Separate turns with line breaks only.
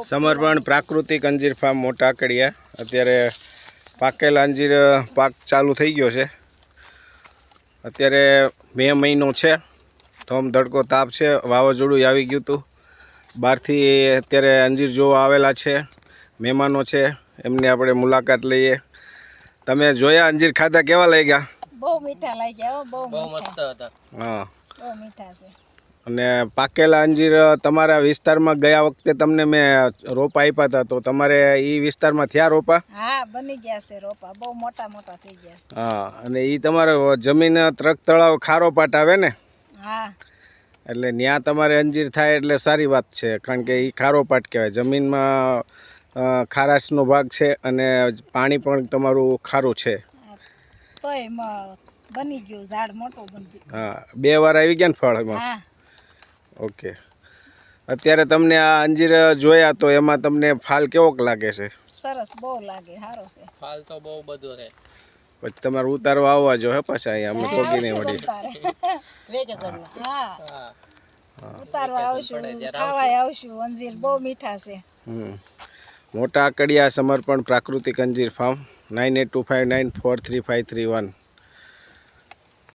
સમર્પણ પ્રાકૃતિક અંજીર ફાર્મ મોટા આકડિયા. અત્યારે પાકેલા અંજીર પાક ચાલુ થઈ ગયો છે. અત્યારે મે મહિનો છે, ધોમ ધડકો તાપ છે, વાવાઝોડું આવી ગયું હતું. બહારથી અત્યારે અંજીર જોવા આવેલા છે મહેમાનો છે, એમની આપણે મુલાકાત લઈએ. તમે જોયા અંજીર ખાધા, કેવા લાગ્યા?
બહુ મીઠા લાગ્યા, બહુ મસ્ત હતા.
હા,
બહુ મીઠા છે.
અને પાકેલા અંજીર તમારા વિસ્તારમાં ગયા વખતે તમને મેં રોપા આપ્યા હતા, તો તમારે એ વિસ્તારમાં થયા રોપા?
હા, બની ગયા છે રોપા, બહુ મોટા મોટા થઈ ગયા.
હા, અને એ તમારે જમીન ત્રક તળાવ ખારો પાટ આવે ને?
હા,
એટલે ત્યાં તમારે અંજીર થાય એટલે સારી વાત છે, કારણ કે એ ખારો પાટ કહેવાય. જમીનમાં ખારાશનો ભાગ છે અને પાણી પણ તમારું ખારું છે.
તોય બની ગયું, ઝાડ મોટું બની.
હા, 2 વાર આવી ગયા ને ફળ એમાં?
હા.
ઓકે. અત્યારે તમને આ અંજીર જોયા તો એમાં તમને ફાલ કેવોક લાગે છે?
સરસ, બહુ લાગે, સારો છે.
ફાલ તો બહુ બધો છે.
પછી તમારે ઉતારવા આવવા જો હે પાછા અહીંયા, અમે પોગી નહીં વળી.
હા, ઉતારવા આવશું, ખાવાય આવશું. અંજીર બહુ મીઠા છે.
મોટા આકડિયા સમર્પણ પ્રાકૃતિક અંજીર ફાર્મ 9825943531.